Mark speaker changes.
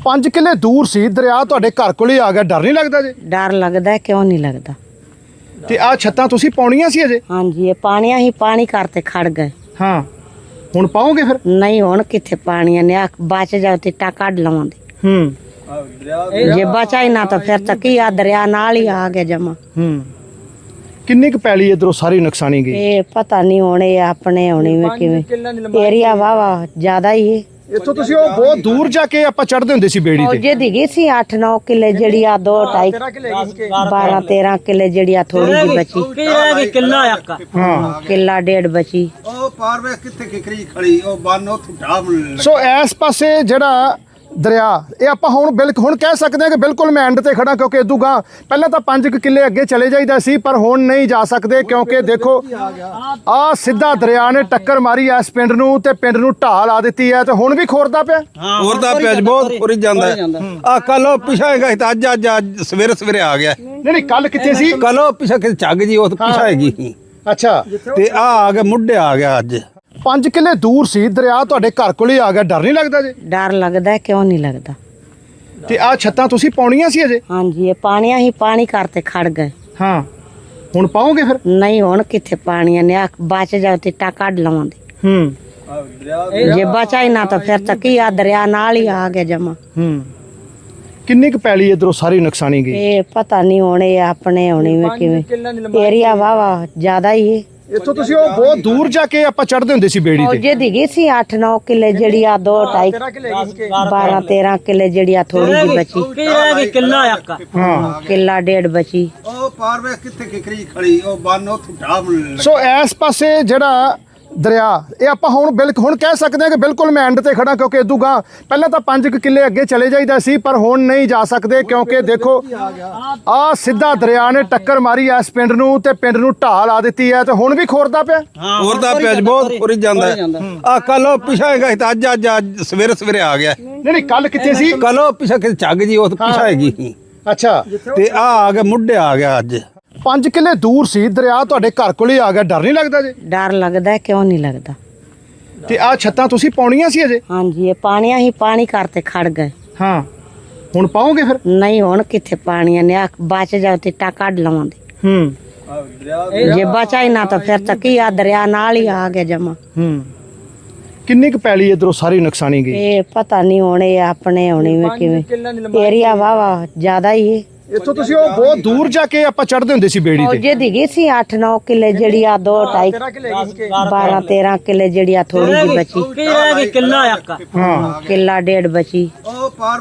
Speaker 1: 5 ਕਿੱਲੇ ਦੂਰ ਸੀ ਦਰਿਆ, ਤੁਹਾਡੇ ਘਰ ਕੋਲ ਹੀ ਆ ਗਿਆ। ਡਰ ਨਹੀਂ ਲੱਗਦਾ ਜੀ?
Speaker 2: ਡਰ ਲੱਗਦਾ, ਕਿਉਂ ਨਹੀਂ ਲੱਗਦਾ।
Speaker 1: ਤੇ ਆ ਛੱਤਾਂ ਤੁਸੀਂ ਪਾਉਣੀਆਂ ਸੀ ਅਜੇ?
Speaker 2: ਹਾਂਜੀ, ਇਹ ਪਾਣੀਆਂ ਹੀ ਪਾਣੀ ਕਰਤੇ ਖੜ ਗਏ।
Speaker 1: ਹਾਂ, ਹੁਣ ਪਾਓਗੇ ਫਿਰ?
Speaker 2: ਨਹੀਂ, ਹੁਣ ਕਿੱਥੇ ਪਾਣੀਆਂ ਨੇ, ਬਚ ਜਾਓ ਤੇ ਟਾ ਕੱਢ ਲਵਾਂਗੇ। ਜੇ ਬਚਾ ਹੀ ਨਾ ਤਾਂ ਫਿਰ ਤਾਂ ਕੀ ਆ, ਦਰਿਆ ਨਾਲ ਹੀ ਆ ਗਿਆ ਜਮਾ।
Speaker 1: ਕਿੰਨੀ ਕੁ ਪੈਲੀ ਇਧਰੋਂ ਸਾਰੀ ਨੁਕਸਾਨੀ ਗਈ?
Speaker 2: ਇਹ ਪਤਾ ਨਹੀਂ ਹੋਣੇ ਆਪਣੇ ਹੋਣੀ ਵੇ ਕਿਵੇਂ, ਏਰੀਆ ਵਾਵਾ ਜ਼ਿਆਦਾ ਹੀ ਹੈ।
Speaker 1: ਇੱਥੋਂ ਤੁਸੀਂ ਉਹ ਬਹੁਤ ਦੂਰ ਜਾ ਕੇ ਆਪਾਂ ਚੜਦੇ ਹੁੰਦੇ ਸੀ ਬੇੜੀ ਤੇ।
Speaker 2: ਜੇ ਦੀ ਗਈ ਸੀ 8-9 ਕਿੱਲੇ ਜਿਹੜੀ ਆ, 12-13 ਕਿੱਲੇ ਜਿਹੜੀ ਆ, ਥੋੜੀ ਜਿਹੀ ਬਚੀ। ਕਿੱਲਾ ਡੇਢ ਬਚੀ।
Speaker 3: ਉਹ ਪਾਰ ਵੇ ਕਿੱਥੇ ਕਿਕਰੀ ਖੜੀ, ਉਹ ਬੰਨ ਉਹ ਠੁੱਟਾ।
Speaker 1: ਸੋ ਇਸ ਪਾਸੇ ਜਿਹੜਾ ਦਰਿਆ, ਇਹ ਆਪਾਂ ਹੁਣ ਕਹਿ ਸਕਦੇ ਹਾਂ ਕਿ ਬਿਲਕੁਲ ਮੈਂ ਐਂਡ ਤੇ ਖੜਾ, ਕਿਉਂਕਿ ਇਦੋਂ ਗਾ ਪਹਿਲਾਂ ਤਾਂ 5 ਕਿੱਲੇ ਅੱਗੇ ਚਲੇ ਜਾਈਦਾ ਸੀ, ਪਰ ਹੁਣ ਨਹੀਂ ਜਾ ਸਕਦੇ ਕਿਉਂਕਿ ਦੇਖੋ ਆ ਸਿੱਧਾ ਦਰਿਆ ਨੇ ਟੱਕਰ ਮਾਰੀ ਇਸ ਪਿੰਡ ਨੂੰ ਤੇ ਪਿੰਡ ਨੂੰ ਢਾਹ ਲਾ ਦਿੱਤੀ ਹੈ, ਤੇ ਹੁਣ ਵੀ ਖੋਰਦਾ ਪਿਆ।
Speaker 3: ਖੋਰਦਾ ਪਿਆ, ਬਹੁਤ ਖੋਰੀ ਜਾਂਦਾ ਆ। ਕੱਲ ਉਹ ਪਿਛਾ ਹੈਗਾ ਤਾਂ ਅੱਜ ਸਵੇਰੇ ਆ ਗਿਆ।
Speaker 1: ਨਹੀਂ, ਕੱਲ ਕਿੱਥੇ ਸੀ?
Speaker 3: ਕੱਲ ਉਹ ਪਿਛਾ ਕਿਤੇ ਝੱਗ ਜੀ, ਉਹ ਪਿਛਾ ਹੈਗੀ।
Speaker 1: ਅੱਛਾ,
Speaker 3: ਤੇ ਆ ਗਿਆ ਮੁੱਢੇ ਆ ਗਿਆ ਅੱਜ।
Speaker 1: 5 ਕਿੱਲੇ ਦੂਰ ਸੀ ਦਰਿਆ, ਤੁਹਾਡੇ ਘਰ ਕੋਲ ਹੀ ਆ ਗਿਆ। ਡਰ ਨਹੀਂ ਲੱਗਦਾ ਜੀ?
Speaker 2: ਡਰ ਲੱਗਦਾ, ਕਿਉਂ ਨਹੀਂ ਲੱਗਦਾ।
Speaker 1: ਤੇ ਆ ਛੱਤਾਂ ਤੁਸੀਂ ਪਾਉਣੀਆਂ ਸੀ ਅਜੇ?
Speaker 2: ਹਾਂਜੀ, ਇਹ ਪਾਣੀਆਂ ਹੀ ਪਾਣੀ ਕਰਤੇ ਖੜ ਗਏ।
Speaker 1: ਹਾਂ, ਹੁਣ ਪਾਓਗੇ ਫਿਰ?
Speaker 2: ਨਹੀਂ, ਹੁਣ ਕਿੱਥੇ ਪਾਣੀਆਂ ਨੇ, ਬਚ ਜਾਓ ਤੇ ਟਾ ਕੱਢ ਲਵਾਂਗੇ। ਜੇ ਬਚਾ ਹੀ ਨਾ ਤਾਂ ਫਿਰ ਤਾਂ ਕੀ ਆ, ਦਰਿਆ ਨਾਲ ਹੀ ਆ ਗਿਆ ਜਮਾ।
Speaker 1: ਕਿੰਨੀ ਕੁ ਪੈਲੀ ਇਧਰੋਂ ਸਾਰੀ ਨੁਕਸਾਨੀ ਗਈ?
Speaker 2: ਇਹ ਪਤਾ ਨਹੀਂ ਹੋਣੇ ਆਪਣੇ ਹੋਣੀ ਵੇ ਕਿਵੇਂ, ਏਰੀਆ ਵਾਵਾ ਜ਼ਿਆਦਾ ਹੀ ਹੈ।
Speaker 1: ਇੱਥੋਂ ਤੁਸੀਂ ਉਹ ਬਹੁਤ ਦੂਰ ਜਾ ਕੇ ਆਪਾਂ ਚੜਦੇ ਹੁੰਦੇ ਸੀ ਬੇੜੀ ਤੇ।
Speaker 2: ਜੇ ਦੀ ਗਈ ਸੀ 8-9 ਕਿੱਲੇ ਜਿਹੜੀ ਆ, 12-13 ਕਿੱਲੇ ਜਿਹੜੀ ਆ, ਥੋੜੀ ਜਿਹੀ ਬਚੀ। ਕਿੱਲਾ ਡੇਢ ਬਚੀ।
Speaker 3: ਉਹ ਪਾਰ ਵੇ ਕਿੱਥੇ ਕਿਕਰੀ ਖੜੀ, ਉਹ ਬੰਨ ਉਹ ਠੁੱਟਾ।
Speaker 1: ਸੋ ਇਸ ਪਾਸੇ ਜਿਹੜਾ ਦਰਿਆ, ਇਹ ਆਪਾਂ ਹੁਣ ਕਹਿ ਸਕਦੇ ਹਾਂ ਕਿ ਬਿਲਕੁਲ ਮੈਂ ਐਂਡ ਤੇ ਖੜਾ, ਕਿਉਂਕਿ ਇਦੋਂ ਗਾ ਪਹਿਲਾਂ ਤਾਂ 5 ਕਿੱਲੇ ਅੱਗੇ ਚਲੇ ਜਾਈਦਾ ਸੀ, ਪਰ ਹੁਣ ਨਹੀਂ ਜਾ ਸਕਦੇ ਕਿਉਂਕਿ ਦੇਖੋ ਆ ਸਿੱਧਾ ਦਰਿਆ ਨੇ ਟੱਕਰ ਮਾਰੀ ਇਸ ਪਿੰਡ ਨੂੰ ਤੇ ਪਿੰਡ ਨੂੰ ਢਾਹ ਲਾ ਦਿੱਤੀ ਹੈ, ਤੇ ਹੁਣ ਵੀ ਖੋਰਦਾ ਪਿਆ।
Speaker 3: ਖੋਰਦਾ ਪਿਆ, ਬਹੁਤ ਖੋਰੀ ਜਾਂਦਾ ਆ। ਕੱਲ ਉਹ ਪਿਛਾ ਹੈਗਾ ਤਾਂ ਅੱਜ ਸਵੇਰੇ ਆ ਗਿਆ।
Speaker 1: ਨਹੀਂ, ਕੱਲ ਕਿੱਥੇ ਸੀ?
Speaker 3: ਕੱਲ ਉਹ ਪਿਛਾ ਕਿਤੇ ਝੱਗ ਜੀ, ਉਹ ਪਿਛਾ ਹੈਗੀ।
Speaker 1: ਅੱਛਾ,
Speaker 3: ਤੇ ਆ ਗਿਆ ਮੁੱਢੇ ਆ ਗਿਆ ਅੱਜ।
Speaker 1: 5 ਕਿੱਲੇ ਦੂਰ ਸੀ ਦਰਿਆ, ਤੁਹਾਡੇ ਘਰ ਕੋਲ ਹੀ ਆ ਗਿਆ। ਡਰ ਨਹੀਂ ਲੱਗਦਾ ਜੀ?
Speaker 2: ਡਰ ਲੱਗਦਾ, ਕਿਉਂ ਨਹੀਂ ਲੱਗਦਾ।
Speaker 1: ਤੇ ਆ ਛੱਤਾਂ ਤੁਸੀਂ ਪਾਉਣੀਆਂ ਸੀ ਅਜੇ?
Speaker 2: ਹਾਂਜੀ, ਇਹ ਪਾਣੀਆਂ ਹੀ ਪਾਣੀ ਕਰਤੇ ਖੜ ਗਏ।
Speaker 1: ਹਾਂ, ਹੁਣ ਪਾਓਗੇ ਫਿਰ?
Speaker 2: ਨਹੀਂ, ਹੁਣ ਕਿੱਥੇ ਪਾਣੀਆਂ ਨੇ, ਬਚ ਜਾਓ ਤੇ ਟਾ ਕੱਢ ਲਵਾਂਗੇ। ਜੇ ਬਚਾ ਹੀ ਨਾ ਤਾਂ ਫਿਰ ਤਾਂ ਕੀ ਆ, ਦਰਿਆ ਨਾਲ ਹੀ ਆ ਗਿਆ ਜਮਾ।
Speaker 1: ਕਿੰਨੀ ਕੁ ਪੈਲੀ ਇਧਰੋਂ ਸਾਰੀ ਨੁਕਸਾਨੀ ਗਈ?
Speaker 2: ਇਹ ਪਤਾ ਨਹੀਂ ਹੋਣੇ ਆਪਣੇ ਹੋਣੀ ਵੇ ਕਿਵੇਂ, ਏਰੀਆ ਵਾਵਾ ਜ਼ਿਆਦਾ ਹੀ ਹੈ।
Speaker 1: ਇੱਥੋਂ ਤੁਸੀਂ ਉਹ ਬਹੁਤ ਦੂਰ ਜਾ ਕੇ ਆਪਾਂ ਚੜਦੇ ਹੁੰਦੇ ਸੀ ਬੇੜੀ ਤੇ।
Speaker 2: ਜੇ ਦੀ ਗਈ ਸੀ 8-9 ਕਿੱਲੇ ਜਿਹੜੀ ਆ, 12-13 ਕਿੱਲੇ ਜਿਹੜੀ ਆ, ਥੋੜੀ ਜਿਹੀ ਬਚੀ। ਕਿੱਲਾ ਡੇਢ ਬਚੀ।
Speaker 3: ਉਹ ਪਾਰ